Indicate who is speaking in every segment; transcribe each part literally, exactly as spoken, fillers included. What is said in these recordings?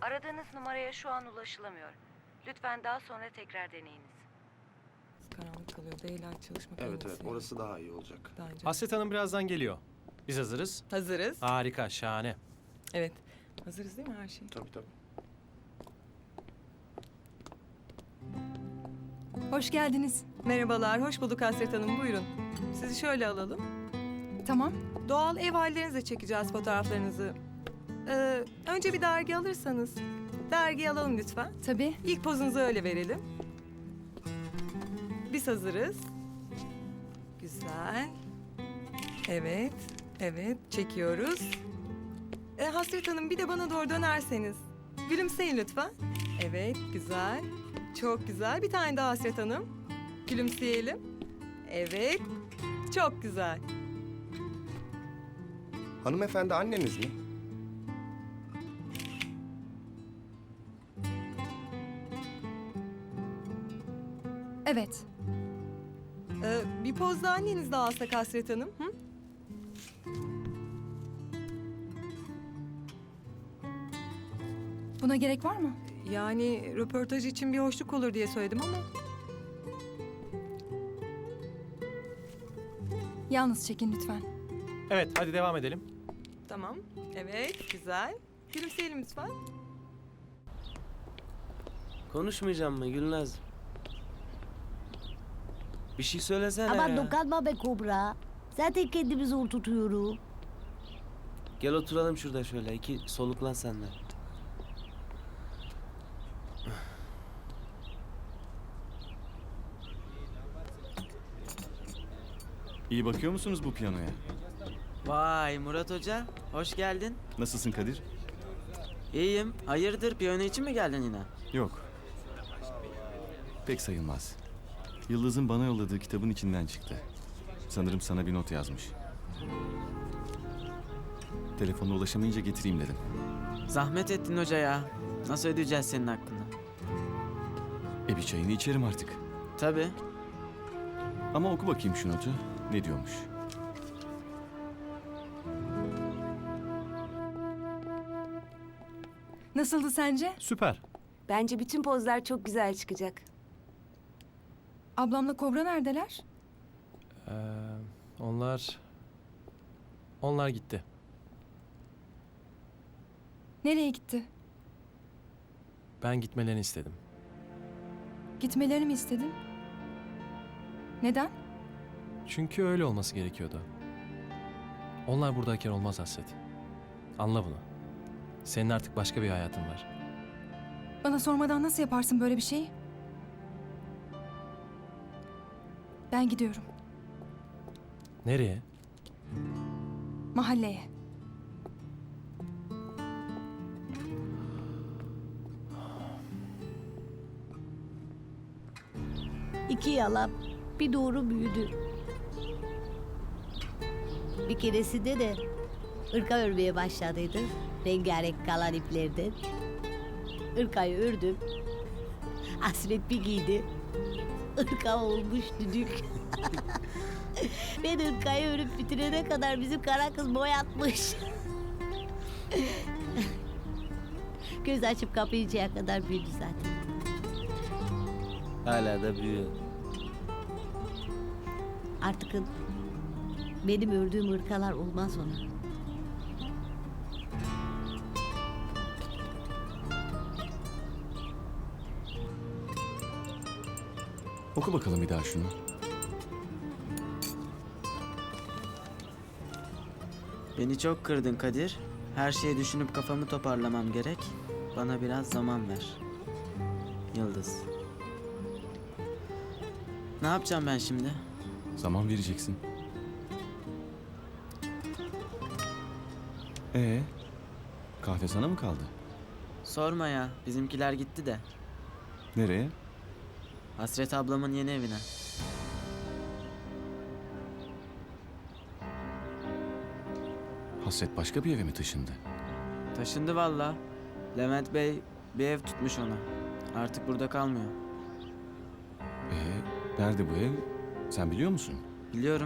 Speaker 1: Aradığınız numaraya şu an ulaşılamıyor. Lütfen daha sonra tekrar deneyiniz.
Speaker 2: Karanlık kalıyor. Daylight çalışmak en
Speaker 3: Evet evet
Speaker 2: iyisi.
Speaker 3: orası daha iyi olacak.
Speaker 2: Daha önce.
Speaker 4: Hasret Hanım birazdan geliyor. Biz hazırız.
Speaker 2: Hazırız.
Speaker 4: Harika, şahane.
Speaker 2: Evet. Hazırız değil mi her şey?
Speaker 3: Tabii tabii.
Speaker 5: Hoş geldiniz.
Speaker 2: Merhabalar, hoş bulduk Hasret Hanım. Buyurun. Sizi şöyle alalım.
Speaker 5: Tamam.
Speaker 2: Doğal ev hallerinizle çekeceğiz fotoğraflarınızı. Ee, önce bir dergi alırsanız. Dergiyi alalım lütfen.
Speaker 5: Tabii.
Speaker 2: İlk pozunuzu öyle verelim. Biz hazırız. Güzel. Evet, evet. Çekiyoruz. Ee, Hasret Hanım bir de bana doğru dönerseniz. Gülümseyin lütfen. Evet, güzel. Çok güzel. Bir tane daha Hasret Hanım. Gülümseyelim. Evet. Çok güzel.
Speaker 3: Hanımefendi anneniz mi?
Speaker 5: Evet.
Speaker 2: Ee, bir poz da anneniz daha alsak Hasret Hanım. Hı?
Speaker 5: Buna gerek var mı?
Speaker 2: Yani röportaj için bir hoşluk olur diye söyledim ama.
Speaker 5: Yalnız çekin lütfen.
Speaker 4: Evet, hadi devam edelim.
Speaker 2: Tamam. Evet, güzel. Gülümseyelim lütfen.
Speaker 6: Konuşmayacağım mı Gülnaz? Bir şey söylesene
Speaker 7: Aman
Speaker 6: ya.
Speaker 7: dokunma be Kobra. Zaten kendimi zor tutuyorum.
Speaker 6: Gel oturalım şurada şöyle. İki soluklan sen de.
Speaker 8: İyi bakıyor musunuz bu piyanoya?
Speaker 9: Vay Murat Hoca, hoş geldin.
Speaker 8: Nasılsın Kadir?
Speaker 9: İyiyim. Hayırdır, piyano için mi geldin yine?
Speaker 8: Yok. Pek sayılmaz. Yıldız'ın bana yolladığı kitabın içinden çıktı. Sanırım sana bir not yazmış. Telefonla ulaşamayınca getireyim dedim.
Speaker 9: Zahmet ettin hoca ya. Nasıl ödeyeceğiz senin hakkını?
Speaker 8: E bir çayını içerim artık.
Speaker 9: Tabii.
Speaker 8: Ama oku bakayım şu notu. Ne diyormuş?
Speaker 5: Nasıldı sence?
Speaker 4: Süper.
Speaker 10: Bence bütün pozlar çok güzel çıkacak.
Speaker 5: Ablamla Kobra neredeler?
Speaker 4: Ee, onlar... Onlar gitti.
Speaker 5: Nereye gitti?
Speaker 4: Ben gitmelerini istedim.
Speaker 5: Gitmelerini mi istedin? Neden?
Speaker 4: Çünkü öyle olması gerekiyordu. Onlar buradayken olmaz Hasret. Anla bunu. Senin artık başka bir hayatın var.
Speaker 5: Bana sormadan nasıl yaparsın böyle bir şeyi? Ben gidiyorum.
Speaker 4: Nereye?
Speaker 5: Mahalleye.
Speaker 7: İki yalan, bir doğru büyüdü. Bir keresinde de ırka örmeye başladıydı. Rengarenk kalan iplerden. Irkayı ördüm. Hasret bir giydi. Irka olmuş düdük. Ben ırkayı örüp bitirene kadar bizim kara kız boyatmış. Göz açıp kapayıncaya kadar büyüdü zaten.
Speaker 6: Hala da büyüyor.
Speaker 7: Artık benim ördüğüm ırkalar olmaz ona.
Speaker 8: Oku bakalım bir daha şunu.
Speaker 9: Beni çok kırdın Kadir. Her şeyi düşünüp kafamı toparlamam gerek. Bana biraz zaman ver. Yıldız. Ne yapacağım ben şimdi?
Speaker 8: Zaman vereceksin. Ee, kahve sana mı kaldı?
Speaker 9: Sorma ya, bizimkiler gitti de.
Speaker 8: Nereye?
Speaker 9: Hasret ablamın yeni evine.
Speaker 8: Hasret başka bir eve mi taşındı?
Speaker 9: Taşındı valla. Levent Bey bir ev tutmuş ona. Artık burada kalmıyor.
Speaker 8: Ee, nerede bu ev? Sen biliyor musun?
Speaker 9: Biliyorum.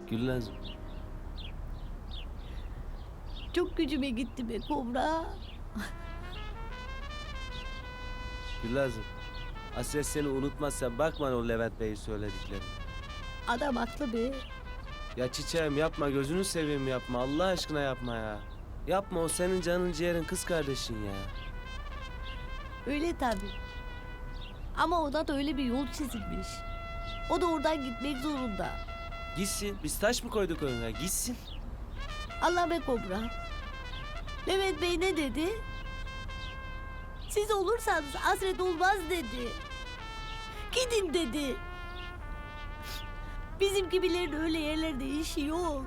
Speaker 6: Gülnaz.
Speaker 7: Çok gücüme gitti be Kobra.
Speaker 6: Gülazım. Hasret seni unutmazsa bakma o Levent Bey'in söyledikleri.
Speaker 7: Adam haklı be.
Speaker 6: Ya çiçeğim yapma, gözünü seveyim yapma. Allah aşkına yapma ya. Yapma, o senin canın ciğerin, kız kardeşin ya.
Speaker 7: Öyle tabii. Ama ona da öyle bir yol çizilmiş. O da oradan gitmek zorunda.
Speaker 6: Gitsin. Biz taş mı koyduk önüne? Gitsin.
Speaker 7: Allah be Kobra. Levent Bey ne dedi? Siz olursanız hasret olmaz dedi. Gidin dedi. Bizim gibilerin öyle yerlerde işi yok.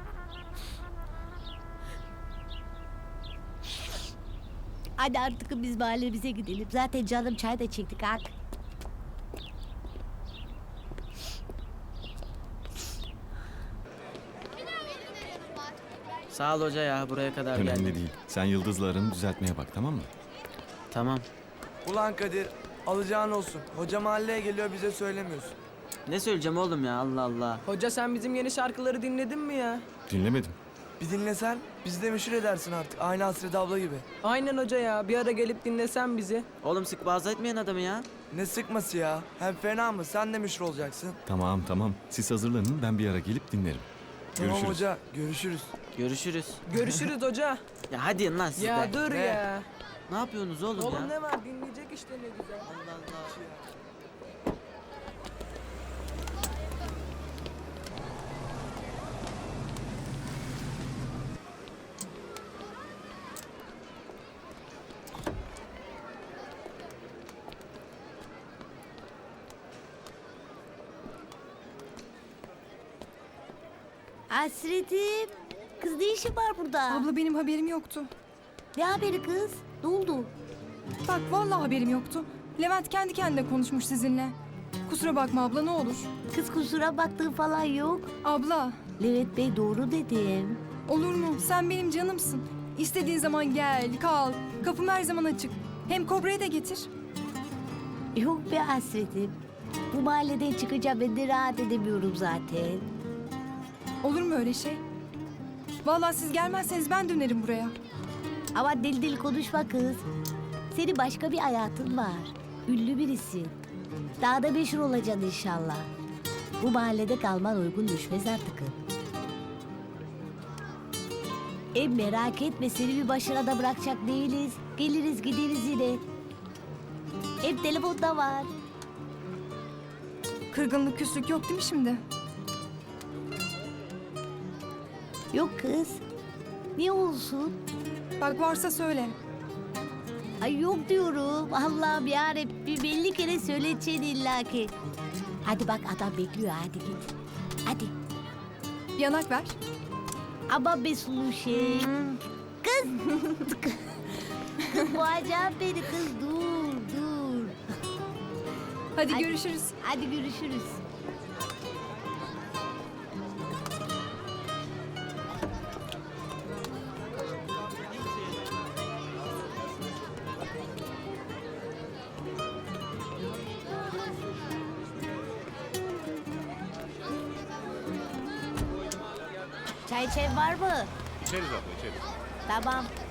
Speaker 7: Hadi artık biz mahallemize gidelim. Zaten canım çay da çektik artık.
Speaker 9: Sağ ol hoca ya, buraya kadar
Speaker 8: Önemli
Speaker 9: geldin.
Speaker 8: değil. Sen Yıldız'la aranı düzeltmeye bak, tamam mı?
Speaker 9: Tamam.
Speaker 11: Ulan Kadir, alacağın olsun. Hoca mahalleye geliyor, bize söylemiyorsun.
Speaker 9: Ne söyleyeceğim oğlum ya, Allah Allah.
Speaker 11: Hoca sen bizim yeni şarkıları dinledin mi ya?
Speaker 8: Dinlemedim.
Speaker 11: Bir dinlesen, bizi de meşhur edersin artık. Aynı Hasret abla gibi.
Speaker 12: Aynen hoca ya. Bir ara gelip dinlesen bizi.
Speaker 9: Oğlum sık boğaz etmeyen adamı ya.
Speaker 11: Ne sıkması ya? Hem fena mı? Sen de meşhur olacaksın.
Speaker 8: Tamam tamam. Siz hazırlanın, ben bir ara gelip dinlerim.
Speaker 11: Tamam
Speaker 8: Görüşürüz.
Speaker 11: hoca, görüşürüz.
Speaker 9: Görüşürüz.
Speaker 12: Görüşürüz hoca.
Speaker 9: Ya hadi lan siz
Speaker 12: Ya
Speaker 9: de.
Speaker 12: dur
Speaker 11: Ne?
Speaker 12: ya.
Speaker 9: Ne yapıyorsunuz oğlum,
Speaker 12: Oğlum
Speaker 9: ya?
Speaker 12: ne var dinleyecek işte ne güzel.
Speaker 9: Allah Allah.
Speaker 7: Hasretim. Kız ne işin var burada?
Speaker 5: Abla benim haberim yoktu.
Speaker 7: Ne haberi kız? Ne oldu?
Speaker 5: Bak vallahi haberim yoktu. Levent kendi kendine konuşmuş sizinle. Kusura bakma abla ne olur.
Speaker 7: Kız kusura baktığı falan yok.
Speaker 5: Abla
Speaker 7: Levent Bey doğru dedim.
Speaker 5: olur mu? Sen benim canımsın. İstediğin zaman gel, kal. Kapım her zaman açık. Hem Kobra'yı da getir.
Speaker 7: Yok be hasretim. Bu mahalleden çıkacağım, ben de rahat edemiyorum zaten.
Speaker 5: Olur mu öyle şey? Vallahi siz gelmezseniz ben dönerim buraya.
Speaker 7: Ama deli deli konuşma kız. Senin başka bir hayatın var. Ünlü birisin. Daha da meşhur olacaksın inşallah. Bu mahallede kalman uygun düşmez artık. E merak etme, seni bir başına da bırakacak değiliz. Geliriz gideriz yine. Hep telefonda var.
Speaker 5: Kırgınlık, küslük yok değil mi şimdi?
Speaker 7: Yok kız. Niye olsun?
Speaker 5: Bak varsa söyle.
Speaker 7: Ay yok diyorum. Allah'ım yarabbim, belli kere söyleyeceksin illaki. Hadi bak adam bekliyor, hadi git. Hadi.
Speaker 5: Yanak ver.
Speaker 7: Ama be sulu şey. Kız. Kız boğacağım beni kız, dur dur.
Speaker 5: Hadi
Speaker 7: Hadi.
Speaker 5: görüşürüz.
Speaker 7: Hadi görüşürüz. Çay içen var mı?
Speaker 3: İçeriz abla içeriz.
Speaker 7: Tamam.